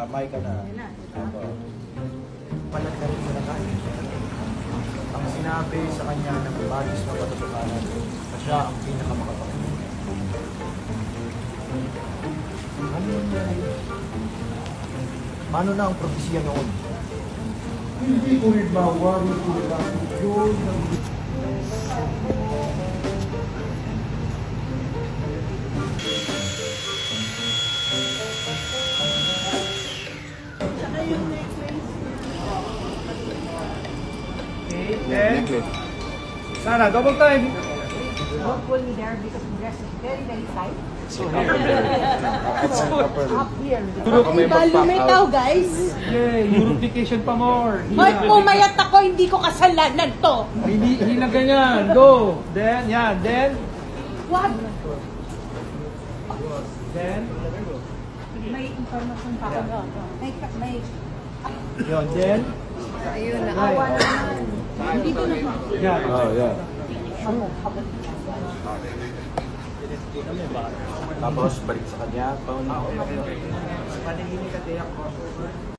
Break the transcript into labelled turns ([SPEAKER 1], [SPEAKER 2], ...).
[SPEAKER 1] Damay ka na. Opo. Palag na rin sa nakain. Ang sinabi sa kanya ng bagis na patutukanan na siya ang pinakamakapagod. Ano yun yan? Paano na ang propesya noon? Hindi ko rin mawari ko lang yun.
[SPEAKER 2] Necklace. Sana, double time.
[SPEAKER 3] Don't pull me there because the dress is very, very tight.
[SPEAKER 2] So here.
[SPEAKER 3] Up here.
[SPEAKER 4] Lumitaw, guys.
[SPEAKER 2] Yay, Europecation pa more.
[SPEAKER 4] Hoy, pumayat ako, hindi ko kasalanan to.
[SPEAKER 2] Hina ganyan. Go. Then, yan. Then,
[SPEAKER 4] Wag.
[SPEAKER 2] then.
[SPEAKER 3] May information pa ako. May
[SPEAKER 2] Yun, then.
[SPEAKER 3] ayun, naawa naman. Dito na po.
[SPEAKER 2] Yan.
[SPEAKER 1] Oh, yeah. Tapos balik sa kanya.